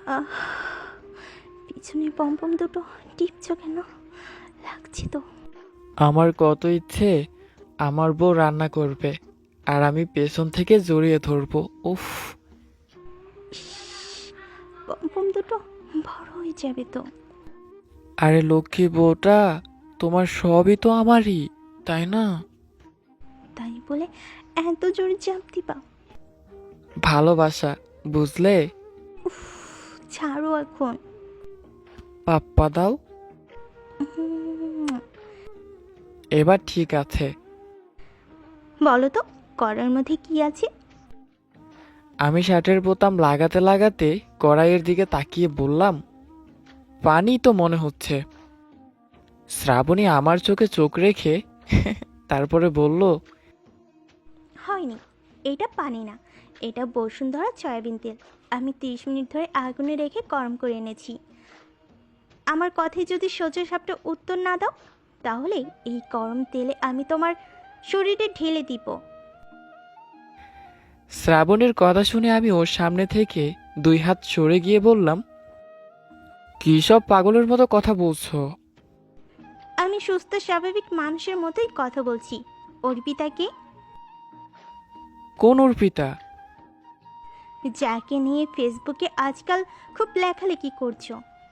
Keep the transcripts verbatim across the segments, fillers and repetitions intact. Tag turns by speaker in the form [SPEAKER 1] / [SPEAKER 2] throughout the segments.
[SPEAKER 1] আহ, পিছনে পম্পম দুটো টিপছ কেন? লাগছে তো।
[SPEAKER 2] আমার কত ইচ্ছে আমার বউ রান্না করবে আর আমি পেছন থেকে জড়িয়ে ধরবো। উফ।
[SPEAKER 1] পম্পম দুটো বড় হয়ে যাবে তো।
[SPEAKER 2] আরে লক্ষ্মী বউটা, তোমার সবই তো আমারই, তাই না?
[SPEAKER 1] তাই বলে এত জোরে চাপ দিবা?
[SPEAKER 2] ভালোবাসা, বুঝলে?
[SPEAKER 1] উফ, ছাড়ো এখন।
[SPEAKER 2] পাপ্পা দাও।
[SPEAKER 1] উম,
[SPEAKER 2] এবার ঠিক আছে।
[SPEAKER 1] বলো তো করার মধ্যে কি আছে?
[SPEAKER 2] আমি শার্টের বোতাম লাগাতে লাগাতে কড়াইয়ের দিকে তাকিয়ে বললাম, পানি তো মনে হচ্ছে। শ্রাবণী আমার চোখে চোখ রেখে তারপরে বলল,
[SPEAKER 1] হয়নি, এটা পানি না, এটা বসুন্ধরা সয়াবিন তেল। আমি তিরিশ মিনিট ধরে আগুনে রেখে গরম করে এনেছি। আমার কথায় যদি সোজা সাপটা উত্তর না দাও, তাহলে এই গরম তেলে আমি তোমার শরীরে ঢেলে দিব।
[SPEAKER 2] শ্রাবণীর কথা শুনে আমি ওর সামনে থেকে দুই হাত সরে গিয়ে বললাম, কি সব পাগলের মতো কথা বলছো?
[SPEAKER 1] আমি সুস্থ স্বাভাবিক মানুষের মতোই কথা বলছি। অর্পিতাকে,
[SPEAKER 2] কোন অর্পিতা?
[SPEAKER 1] যাকে নিয়ে ফেসবুকে আজকাল খুব লেখালেখি করছো।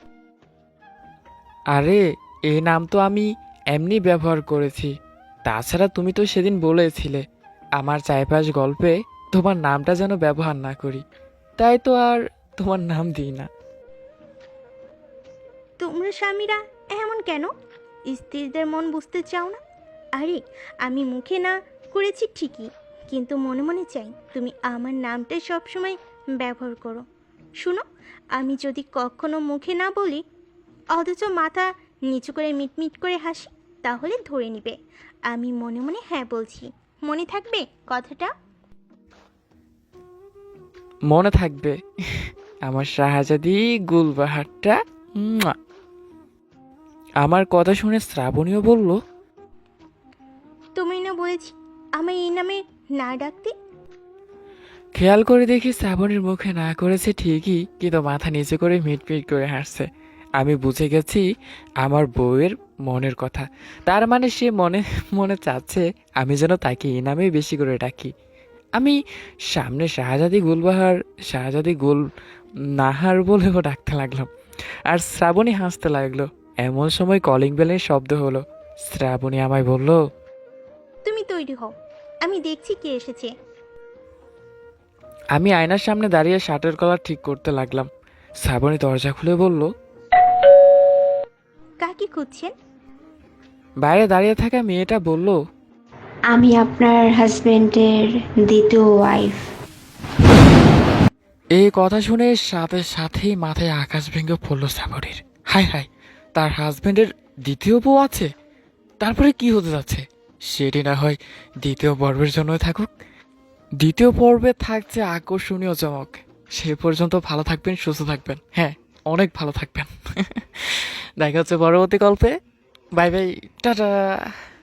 [SPEAKER 2] আরে, এই নাম তো আমি এমনি ব্যবহার করেছি। তাছাড়া তুমি তো সেদিন বলেছিলে আমার চাইপাশ গল্পে তোমার নামটা যেন ব্যবহার না করি, তাই তো আর তোমার নাম দিই না।
[SPEAKER 1] তোমরা স্বামীরা এমন কেন? স্ত্রীদের মন বুঝতে চাও না? আরে, আমি মুখে না করেছি ঠিকই, কিন্তু মনে মনে চাই তুমি আমার নামটাই সবসময় ব্যবহার করো। শুনো, আমি যদি কখনো মুখে না বলি, অথচ মাথা নিচু করে মিটমিট করে হাসি, তাহলে ধরে নিবে আমি মনে মনে হ্যাঁ বলছি। মনে থাকবে কথাটা?
[SPEAKER 2] মনে থাকবে। আমার শাহজাদি গুলবাহারটা। মুয়া। আমার কথা শুনে শ্রাবণীও বলল,
[SPEAKER 1] তুমি না বলেছি আমায় এই নামে না ডাকতে?
[SPEAKER 2] খেয়াল করে দেখি শ্রাবণীর মুখে না করেছে ঠিকই, কিন্তু মাথা নিচু করে মিটমিট করে হাসছে। আমি বুঝে গেছি আমার বউয়ের মনের কথা। তার মানে সে মনে মনে চাচ্ছে আমি যেন তাকে এই নামেই বেশি করে ডাকি। আমি সামনে শাহজাদি গুলবাহার, শাহজাদি গুল নাহার বলেও ডাকতে লাগলাম, আর শ্রাবণী হাসতে লাগলো। এমন সময় কলিং বেলের শব্দ হলো। শ্রাবণী আমায় বলল,
[SPEAKER 1] তুমি তৈরি হও, আমি দেখছি কে এসেছে।
[SPEAKER 2] আমি আয়নার সামনে দাঁড়িয়ে শার্টের কলার ঠিক করতে লাগলাম। শ্রাবণী দরজা খুলে বলল,
[SPEAKER 1] কাকে খুঁজছেন?
[SPEAKER 2] বাইরে দাঁড়িয়ে থাকা মেয়েটা বলল,
[SPEAKER 3] আমি আপনার হাজবেন্ডের দ্বিতীয় ওয়াইফ।
[SPEAKER 2] এই কথা শুনে সাথে সাথেই মাথায় আকাশ ভেঙে পড়ল শ্রাবণীর। হায় হায়, তার হাজবেন্ডের দ্বিতীয় বউ আছে? তারপরে কি হতে যাচ্ছে সেটি না হয় দ্বিতীয় পর্বের জন্যই থাকুক। দ্বিতীয় পর্বে থাকছে আকর্ষণীয় চমক। সে পর্যন্ত ভালো থাকবেন, সুস্থ থাকবেন, হ্যাঁ, অনেক ভালো থাকবেন। দেখা হচ্ছে পরবর্তী গল্পে। Bye bye, tata.